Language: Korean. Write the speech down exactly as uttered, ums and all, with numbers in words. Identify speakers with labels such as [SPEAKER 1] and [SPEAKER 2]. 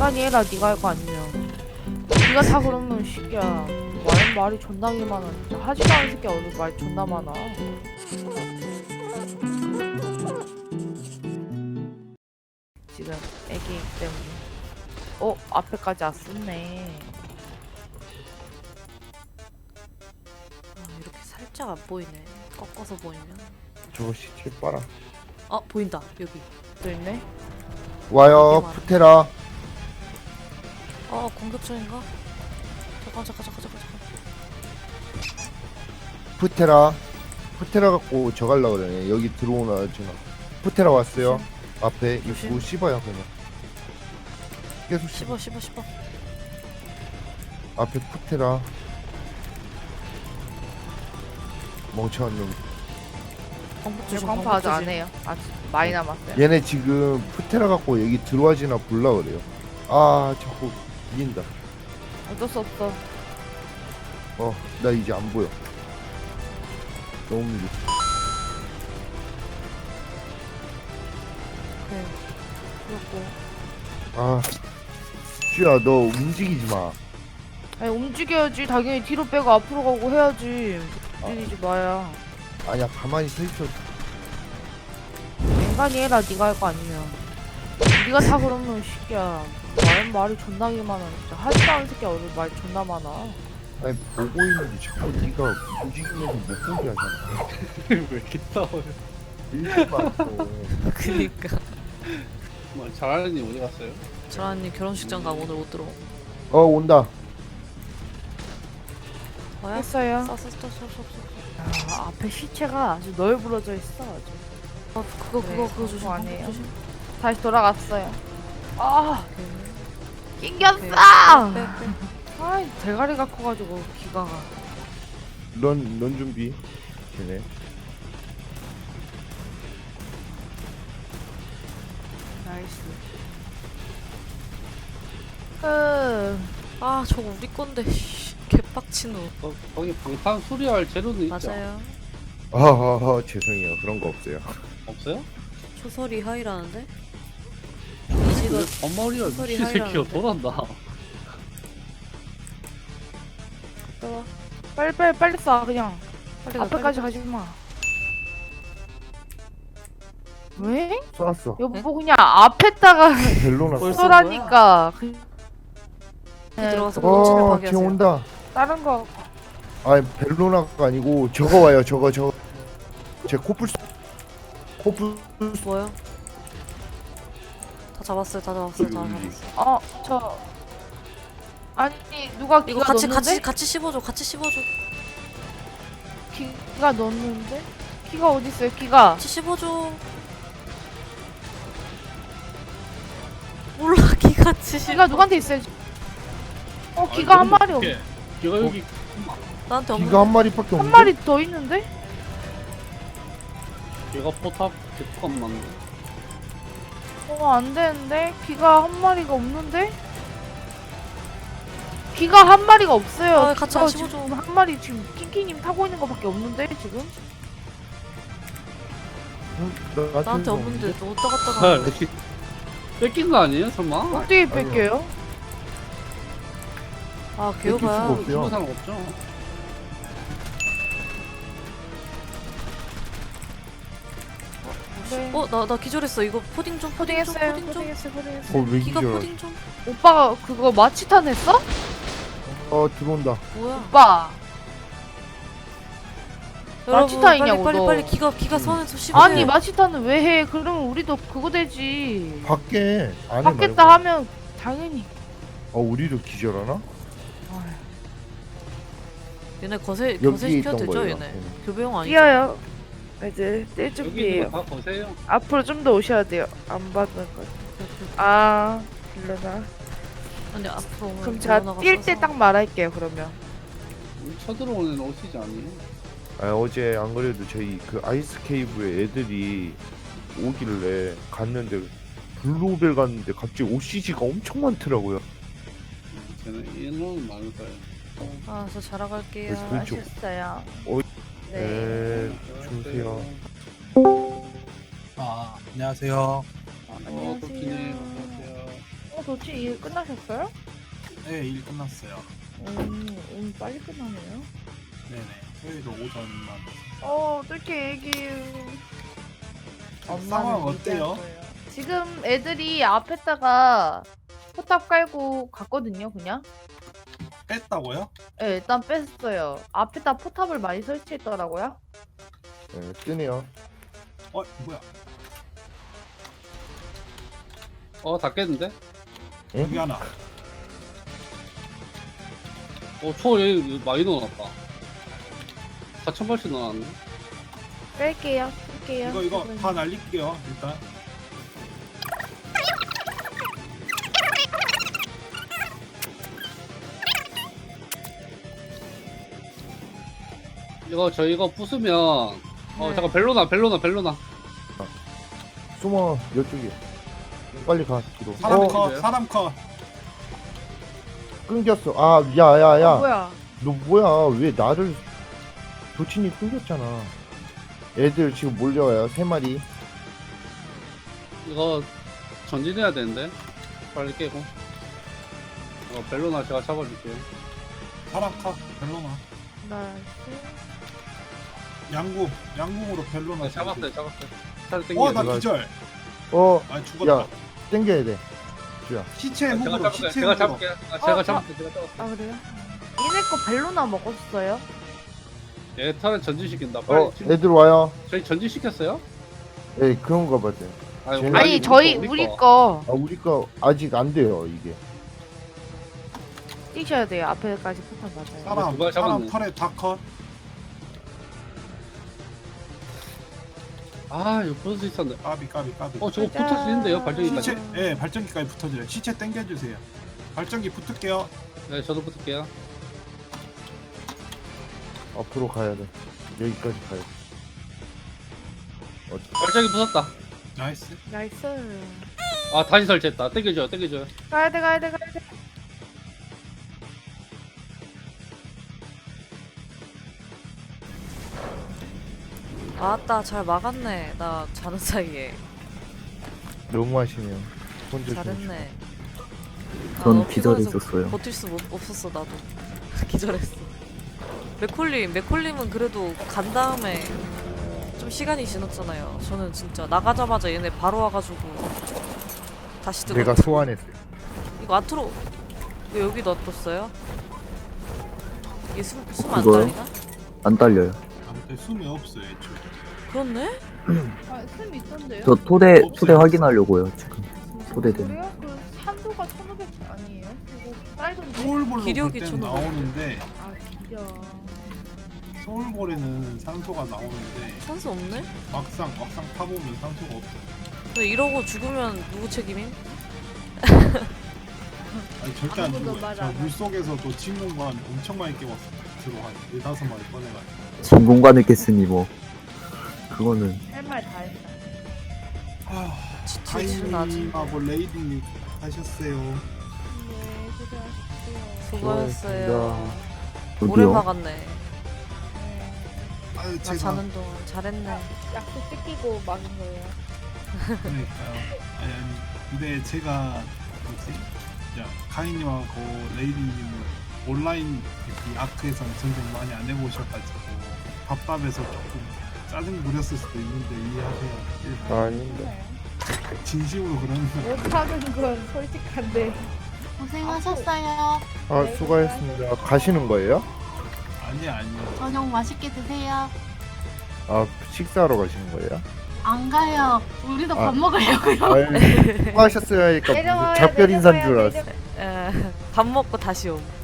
[SPEAKER 1] 인간이 해라. 네가 할 거 아니면. 네가 다 그러면 새끼야. 말, 말이 존나게 많아. 진짜. 하지도 않은 새끼야. 오늘 말이 존나 많아. 지금 애기이기 때문에. 어? 앞에까지 왔었네.
[SPEAKER 2] 아, 이렇게 살짝 안 보이네. 꺾어서 보이면.
[SPEAKER 3] 저거 시체 빨아.
[SPEAKER 2] 아, 보인다. 여기.
[SPEAKER 1] 또 있네?
[SPEAKER 3] 와요,
[SPEAKER 2] 되게 많아.
[SPEAKER 3] 푸테라.
[SPEAKER 2] 아, 공격 중인가? 잠깐, 잠깐, 잠깐, 잠깐, 잠깐.
[SPEAKER 3] 푸테라. 푸테라 갖고 저 갈라 그러네. 여기 들어오나 지금. 푸테라 왔어요. 앞에
[SPEAKER 2] 조심.
[SPEAKER 3] 입구 씹어요 그냥. 계속 씹어.
[SPEAKER 2] 씹어, 씹어, 씹어.
[SPEAKER 3] 앞에 푸테라. 멍청한 놈.
[SPEAKER 2] 방법
[SPEAKER 1] 저
[SPEAKER 2] 조심,
[SPEAKER 1] 광파
[SPEAKER 2] 방법
[SPEAKER 1] 아직 안
[SPEAKER 2] 조심.
[SPEAKER 1] 해요. 아직 많이 남았어요.
[SPEAKER 3] 얘네 지금 푸테라 갖고 여기 들어와지나 볼라 그래요. 아 자꾸 이긴다.
[SPEAKER 1] 어쩔 수 없어.
[SPEAKER 3] 어, 나 이제 안 보여. 너무 밀려.
[SPEAKER 2] 오케이. 그렇고.
[SPEAKER 3] 아, 쥐야 너 움직이지 마.
[SPEAKER 1] 아니 움직여야지. 당연히 뒤로 빼고 앞으로 가고 해야지. 움직이지 마야.
[SPEAKER 3] 아니야 가만히 서 있어.
[SPEAKER 1] 인간이 해라. 네가 할 거 아니면. 네가 다 그러면 새끼야. 말, 말이 존나게 많아. 진짜. 하지도 않은 새끼야. 오늘 말이 존나 많아.
[SPEAKER 3] 아니 보고 있는데 자꾸 네가 움직이면서 못 보게 하잖아.
[SPEAKER 4] 왜 이렇게 싸워요?
[SPEAKER 3] 일지 마. 또.
[SPEAKER 2] 그니까.
[SPEAKER 4] 뭐 잘하는 님 어디 갔어요?
[SPEAKER 2] 저라님 결혼식장 가고 오늘 못 들어.
[SPEAKER 3] 어 온다.
[SPEAKER 2] 뭐야?
[SPEAKER 1] 했어요.
[SPEAKER 2] 써, 써, 써, 써, 써, 써.
[SPEAKER 1] 아, 앞에 시체가 아주 널브러져 있어. 아주.
[SPEAKER 2] 아, 그거,
[SPEAKER 1] 네,
[SPEAKER 2] 그거, 그거 조심.
[SPEAKER 1] 그거
[SPEAKER 2] 방법
[SPEAKER 1] 아니에요.
[SPEAKER 2] 조심.
[SPEAKER 1] 다시 돌아갔어요. 아,
[SPEAKER 2] 오케이.
[SPEAKER 1] 낑겼어!
[SPEAKER 2] 빼, 빼, 빼.
[SPEAKER 1] 아, 대가리가 커가지고 기가가.
[SPEAKER 3] 넌, 넌 준비. 걔네.
[SPEAKER 1] 나이스. 그
[SPEAKER 2] 아, 저거 우리 건데. 씨, 개빡친 후.
[SPEAKER 4] 거, 거기 방탄 수리할 재료는 있죠?
[SPEAKER 2] 맞아요.
[SPEAKER 3] 아하하 죄송해요 그런 거 없어요.
[SPEAKER 4] 없어요?
[SPEAKER 2] 초설이 하이라는데?
[SPEAKER 4] 왜
[SPEAKER 2] 이지가
[SPEAKER 4] 엄마리가
[SPEAKER 2] 소리
[SPEAKER 4] 미친 새끼가
[SPEAKER 2] 하이라는데.
[SPEAKER 4] 돌아온다.
[SPEAKER 1] 또 빨리 빨리 빨리 쏴 그냥.
[SPEAKER 2] 빨리 가,
[SPEAKER 1] 앞에까지
[SPEAKER 2] 빨리
[SPEAKER 1] 가지 마. 왜?
[SPEAKER 3] 쏘았어.
[SPEAKER 1] 여보 그냥 앞에다가
[SPEAKER 3] 벨로나.
[SPEAKER 2] 벌써?
[SPEAKER 1] 쏘라니까. 그,
[SPEAKER 2] 가. 들어가서
[SPEAKER 1] 네,
[SPEAKER 2] 본진을
[SPEAKER 3] 어, 걔
[SPEAKER 2] 파괴하세요.
[SPEAKER 3] 온다.
[SPEAKER 1] 다른 거
[SPEAKER 3] 아니 벨로나가 아니고 저거 와요 저거 저거. 제 코뿔소. 코뿔소.
[SPEAKER 2] 뭐요? 다 잡았어요, 다 잡았어요, 다
[SPEAKER 3] 음.
[SPEAKER 2] 잡았어요.
[SPEAKER 1] 어, 저 아니 누가
[SPEAKER 2] 이거
[SPEAKER 1] 기가
[SPEAKER 2] 같이,
[SPEAKER 1] 넣는데?
[SPEAKER 2] 같이, 같이 씹어줘, 같이 씹어줘.
[SPEAKER 1] 기가 넣는데? 기가 어디 있어요? 기가.
[SPEAKER 2] 같이 씹어줘. 몰라, 기 같이 씹어.
[SPEAKER 1] 기가 누구한테 있어요? 어, 기가 한 마리 없.
[SPEAKER 4] 걔가 여기
[SPEAKER 2] 나한테 없는.
[SPEAKER 3] 기가 한 마리밖에
[SPEAKER 1] 한
[SPEAKER 3] 없는데.
[SPEAKER 1] 마리 더 있는데?
[SPEAKER 4] 걔가 포탑 개떡 맞네.
[SPEAKER 1] 어, 안 되는데? 기가 한 마리가 없는데? 기가 한 마리가 없어요.
[SPEAKER 2] 아, 같이
[SPEAKER 1] 기가
[SPEAKER 2] 안
[SPEAKER 1] 지금
[SPEAKER 2] 씹어줘.
[SPEAKER 1] 한 마리 지금 킹킹님 타고 있는 거밖에 없는데 지금?
[SPEAKER 3] 응? 나-
[SPEAKER 2] 나한테
[SPEAKER 3] 좀
[SPEAKER 2] 없는데 너 어디다 갖다
[SPEAKER 4] 아,
[SPEAKER 2] 놔?
[SPEAKER 4] 이렇게 뺏긴 거 아니에요 설마?
[SPEAKER 1] 어떻게
[SPEAKER 3] 아니요.
[SPEAKER 1] 뺄게요?
[SPEAKER 2] 아,
[SPEAKER 3] 뺏길 수가
[SPEAKER 2] 개오바야.
[SPEAKER 3] 없어요.
[SPEAKER 4] 죽은 사람 없죠?
[SPEAKER 1] 네.
[SPEAKER 2] 어, 나, 나 기절했어. 이거 포딩 좀, 포딩 좀,
[SPEAKER 1] 포딩했어요.
[SPEAKER 2] 포딩 좀.
[SPEAKER 1] 포딩했어요. 포딩했어요.
[SPEAKER 3] 어, 왜
[SPEAKER 2] 기가
[SPEAKER 3] 기절?
[SPEAKER 2] 포딩 좀.
[SPEAKER 1] 오빠가 그거 마취탄 했어?
[SPEAKER 3] 어 들어온다.
[SPEAKER 2] 뭐야?
[SPEAKER 1] 오빠.
[SPEAKER 2] 여러분,
[SPEAKER 1] 마취타이냐고,
[SPEAKER 2] 빨리, 빨리,
[SPEAKER 1] 너.
[SPEAKER 2] 빨리 기가, 기가
[SPEAKER 3] 음.
[SPEAKER 2] 선에서 씹으세요.
[SPEAKER 1] 아니 마취탄은 왜 해? 그러면 우리도 그거 되지.
[SPEAKER 3] 밖에 안에
[SPEAKER 1] 받겠다
[SPEAKER 3] 말고.
[SPEAKER 1] 하면 당연히.
[SPEAKER 3] 어 우리도 기절하나?
[SPEAKER 2] 얘네 거세,
[SPEAKER 3] 여기
[SPEAKER 2] 거세 시켜도
[SPEAKER 3] 있던
[SPEAKER 2] 되죠,
[SPEAKER 3] 거예요.
[SPEAKER 2] 얘네?
[SPEAKER 3] 응.
[SPEAKER 2] 교배용 아니죠?
[SPEAKER 1] 뛰어요. 이제 뛸
[SPEAKER 4] 여기
[SPEAKER 1] 준비해요.
[SPEAKER 4] 있는 거 다 보세요.
[SPEAKER 1] 앞으로 좀 더 오셔야 돼요. 안 받는 거. 아, 일러나.
[SPEAKER 2] 아니, 앞으로 오면
[SPEAKER 1] 그럼 제가
[SPEAKER 2] 올라가서
[SPEAKER 1] 뛸 때
[SPEAKER 2] 싸워.
[SPEAKER 1] 딱 말할게요. 그러면.
[SPEAKER 4] 쳐들어오는 오시지 아니에요?
[SPEAKER 3] 아, 어제 안 그래도 저희 그 아이스 케이브에 애들이 오길래 갔는데 블루벨 갔는데 갑자기 오씨지가 엄청 많더라고요.
[SPEAKER 4] 쟤는 인원은 많을 거예요.
[SPEAKER 2] 아, 저 자러 갈게요.
[SPEAKER 3] 그래서 왼쪽.
[SPEAKER 1] 아셨어요.
[SPEAKER 3] 어,
[SPEAKER 1] 네.
[SPEAKER 3] 네, 주무세요.
[SPEAKER 5] 아, 안녕하세요.
[SPEAKER 4] 어, 도끼님 안녕하세요.
[SPEAKER 1] 어, 도치 일 끝나셨어요?
[SPEAKER 5] 네, 일 끝났어요.
[SPEAKER 1] 오, 오늘 빨리 끝나네요.
[SPEAKER 5] 네네. 토요일 오전만.
[SPEAKER 1] 어, 어떡해, 애기.
[SPEAKER 5] 상황 어때요?
[SPEAKER 1] 지금 애들이 앞에다가 포탑 깔고 갔거든요, 그냥.
[SPEAKER 5] 뺐다고요?
[SPEAKER 1] 네, 일단 뺐어요. 앞에다 포탑을 많이 설치했더라고요.
[SPEAKER 3] 네, 뜨네요.
[SPEAKER 5] 어, 뭐야?
[SPEAKER 4] 어, 다 깼는데?
[SPEAKER 5] 여기 하나.
[SPEAKER 4] 어, 초 여기 많이 넣어놨다. 사천 발씩 넣어놨네.
[SPEAKER 1] 뺄게요, 뺄게요.
[SPEAKER 5] 이거 이거 다 날릴게요. 일단.
[SPEAKER 4] 이거 저 이거 부수면 어
[SPEAKER 1] 네.
[SPEAKER 4] 잠깐 벨로나 벨로나 벨로나
[SPEAKER 3] 숨어 이쪽에. 빨리 가 뒤로.
[SPEAKER 5] 사람
[SPEAKER 3] 어,
[SPEAKER 5] 컷,
[SPEAKER 4] 이제요?
[SPEAKER 5] 사람 컷.
[SPEAKER 3] 끊겼어. 아, 야야야.
[SPEAKER 1] 아, 뭐야?
[SPEAKER 3] 너 뭐야? 왜 나를 도친이 끊겼잖아. 애들 지금 몰려와요. 세 마리.
[SPEAKER 4] 이거 전진해야 되는데 빨리 깨고 어 벨로나 제가 잡아줄게요.
[SPEAKER 5] 사람 컷. 벨로나.
[SPEAKER 1] 나이스.
[SPEAKER 5] 양궁. 양궁으로 벨로나.
[SPEAKER 4] 어, 잡았어요 잡았어요. 차를
[SPEAKER 5] 어,
[SPEAKER 4] 땡겨야
[SPEAKER 5] 나
[SPEAKER 4] 돼.
[SPEAKER 3] 들어가야
[SPEAKER 5] 기절.
[SPEAKER 3] 어,
[SPEAKER 5] 아, 죽었다.
[SPEAKER 3] 야, 땡겨야 돼. 주야.
[SPEAKER 5] 시체
[SPEAKER 4] 제가
[SPEAKER 5] 훅으로,
[SPEAKER 4] 잡을게요.
[SPEAKER 5] 시체
[SPEAKER 4] 제가
[SPEAKER 5] 훅으로.
[SPEAKER 4] 잡을게요. 아, 제가
[SPEAKER 1] 어,
[SPEAKER 4] 잡을게요. 제가 잡을게요.
[SPEAKER 1] 아, 그래요? 얘네 거 벨로나 먹었어요?
[SPEAKER 4] 얘 차를 전진시킨다. 빨리
[SPEAKER 3] 어,
[SPEAKER 4] 지금
[SPEAKER 3] 애들 와요.
[SPEAKER 4] 저희 전진시켰어요?
[SPEAKER 3] 에 그런가 봐요.
[SPEAKER 4] 아니,
[SPEAKER 3] 쟤네-
[SPEAKER 1] 아니,
[SPEAKER 4] 우리
[SPEAKER 1] 저희,
[SPEAKER 4] 거,
[SPEAKER 1] 우리
[SPEAKER 4] 거.
[SPEAKER 1] 거
[SPEAKER 3] 아, 우리 거 아직 안 돼요, 이게.
[SPEAKER 1] 뛰셔야 돼요. 앞에까지 포탑 맞아요.
[SPEAKER 5] 사람,
[SPEAKER 4] 누가
[SPEAKER 5] 사람
[SPEAKER 4] 잡았네.
[SPEAKER 5] 털에 다 컷.
[SPEAKER 4] 아 이거 부술 수 있었는데.
[SPEAKER 5] 까비, 까비, 까비.
[SPEAKER 4] 어 저거
[SPEAKER 1] 가자.
[SPEAKER 4] 붙어지는데요 발전기까지.
[SPEAKER 5] 시체, 예, 발전기까지 붙어줘요. 시체 당겨주세요. 발전기 붙을게요.
[SPEAKER 4] 네 저도 붙을게요.
[SPEAKER 3] 앞으로 가야 돼. 여기까지 가야 돼. 어,
[SPEAKER 4] 발전기 부쉈다.
[SPEAKER 5] 나이스.
[SPEAKER 1] 나이스.
[SPEAKER 4] 아 다시 설치했다. 땡겨줘요 땡겨줘요.
[SPEAKER 1] 가야 돼, 가야 돼, 가야 돼.
[SPEAKER 2] 아따 잘 막았네. 나 자는 사이에.
[SPEAKER 3] 너무 하시네요. 혼자
[SPEAKER 2] 잘했네. 아,
[SPEAKER 6] 전
[SPEAKER 2] 너무 피곤해서
[SPEAKER 6] 기절했었어요.
[SPEAKER 2] 버틸 수 없- 없었어 나도. 기절했어. 맥콜림, 맥콜림은 그래도 간 다음에 좀 시간이 지났잖아요. 저는 진짜 나가자마자 얘네 바로 와가지고 다시 들어.
[SPEAKER 3] 내가 소환했어요.
[SPEAKER 2] 이거 아트로 왜 여기 놔뒀어요? 이게 숨숨안
[SPEAKER 6] 이거요?
[SPEAKER 2] 달리나?
[SPEAKER 6] 안 딸려요.
[SPEAKER 5] 아무튼 숨이 없어요, 애초에.
[SPEAKER 2] 그렇네?
[SPEAKER 1] 아, 숨 있던데요?
[SPEAKER 6] 저 토대
[SPEAKER 5] 없어요.
[SPEAKER 6] 토대 확인하려고요 지금. 토대된.
[SPEAKER 1] 그래요? 그 산도가 천오백 아니에요? 그거 쌀던데?
[SPEAKER 5] 소울볼로
[SPEAKER 2] 기력이
[SPEAKER 5] 볼 때는
[SPEAKER 2] 저는
[SPEAKER 5] 나오는데
[SPEAKER 1] 아, 진짜.
[SPEAKER 5] 소울볼에는 산소가 나오는데
[SPEAKER 2] 산소 없네?
[SPEAKER 5] 막상 막상 타보면 산소가 없어요.
[SPEAKER 2] 근데 이러고 죽으면 누구 책임임?
[SPEAKER 5] 아니 절대 안
[SPEAKER 1] 아무도
[SPEAKER 5] 죽어요.
[SPEAKER 1] 말
[SPEAKER 5] 저
[SPEAKER 1] 안 해.
[SPEAKER 5] 물속에서도 친구만 엄청 많이 깨웠어요. 들어 한 네다섯 마리 꺼내가지고.
[SPEAKER 6] 진공관을 깼으니 뭐 그거는
[SPEAKER 1] 할 말 다 했다.
[SPEAKER 5] 아,
[SPEAKER 2] 지치는 아직.
[SPEAKER 5] 가인님하고 레이딩님 하셨어요.
[SPEAKER 1] 네, 수고하셨어요.
[SPEAKER 2] 수고하셨어요. 오래
[SPEAKER 6] 여기요.
[SPEAKER 2] 막았네.
[SPEAKER 1] 네.
[SPEAKER 5] 아유
[SPEAKER 2] 나
[SPEAKER 5] 제가
[SPEAKER 2] 자는 동안 잘했네.
[SPEAKER 1] 약속 뜯기고 막은 거예요.
[SPEAKER 5] 그러니까요. 아니 아니 근데 제가 뭐지? 야 가인님하고 레이딩님은 온라인 이 아크에서는 전쟁 많이 안 해보셔가지고 답답해서 조금 짜증 부렸을 수도 있는데 이해하세요.
[SPEAKER 3] 아닌데.
[SPEAKER 5] 진심으로 그러는 거.
[SPEAKER 1] 못하는 건 솔직한데.
[SPEAKER 7] 고생하셨어요.
[SPEAKER 3] 아, 수고하셨습니다. 가시는 거예요?
[SPEAKER 5] 아니 아니요.
[SPEAKER 7] 저녁 맛있게 드세요.
[SPEAKER 3] 아, 식사하러 가시는 거예요?
[SPEAKER 7] 안 가요. 우리도
[SPEAKER 3] 아.
[SPEAKER 7] 밥 먹으려고요.
[SPEAKER 3] 아유, 수고하셨어요 하니까 무슨
[SPEAKER 1] 내려와요,
[SPEAKER 3] 작별 인사인 줄
[SPEAKER 1] 내려와요,
[SPEAKER 3] 알았어.
[SPEAKER 2] 에, 밥 먹고 다시 옴.